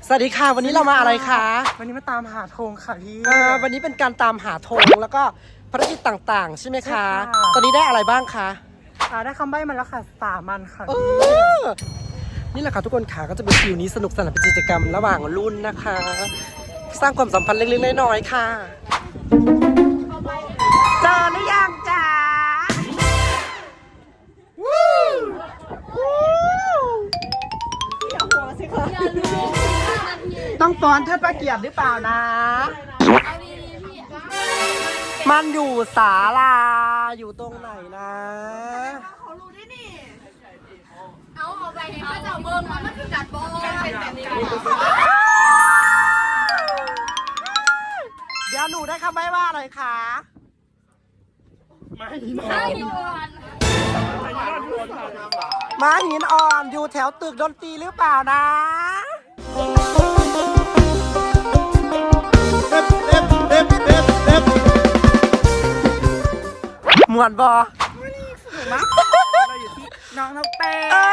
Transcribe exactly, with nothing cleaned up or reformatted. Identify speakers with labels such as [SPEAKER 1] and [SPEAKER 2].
[SPEAKER 1] สวัสดีค่ะวันนี้เรามาอะไรคะ
[SPEAKER 2] วันนี้มาตามหาธงค่ะพี่
[SPEAKER 1] อ่าวันนี้เป็นการตามหาธงแล้วก็ภารกิจต่างๆใช่ไหมคะตอนนี้ได้อะไรบ้างคะ
[SPEAKER 2] อ่าได้คำใบ้มาแล้วค่ะสามัญค่ะ
[SPEAKER 1] นี่แหละค่ะทุกคนค่ะก็จะเป็นฟิวนี้สนุกสนานเป็นกิจกรรมระหว่างรุ่นนะคะ สร้างความสัมพันธ์เล็กๆน้อยๆค่ะเจอหรือยังจ๊ะต้องฟ้อนเทิดพระเกียรติหรือเปล่านะ มันอยู่ศาลาอยู่ตรงไหนนะ
[SPEAKER 3] เขารู้ได้นี่เอาเอาไปให้เขาเจ้าเบิ้งว่ามันคือกัดบอลเป็นแบบนี้
[SPEAKER 1] เดี๋ยวหนูได้คำใบ้ว่าอะไรคะม้าหินอ่อนม้าหินอ่อนอยู่แถวตึกดนตรีหรือเปล่านะมวนบอ
[SPEAKER 2] เราอยู่ที่น้องนกเต้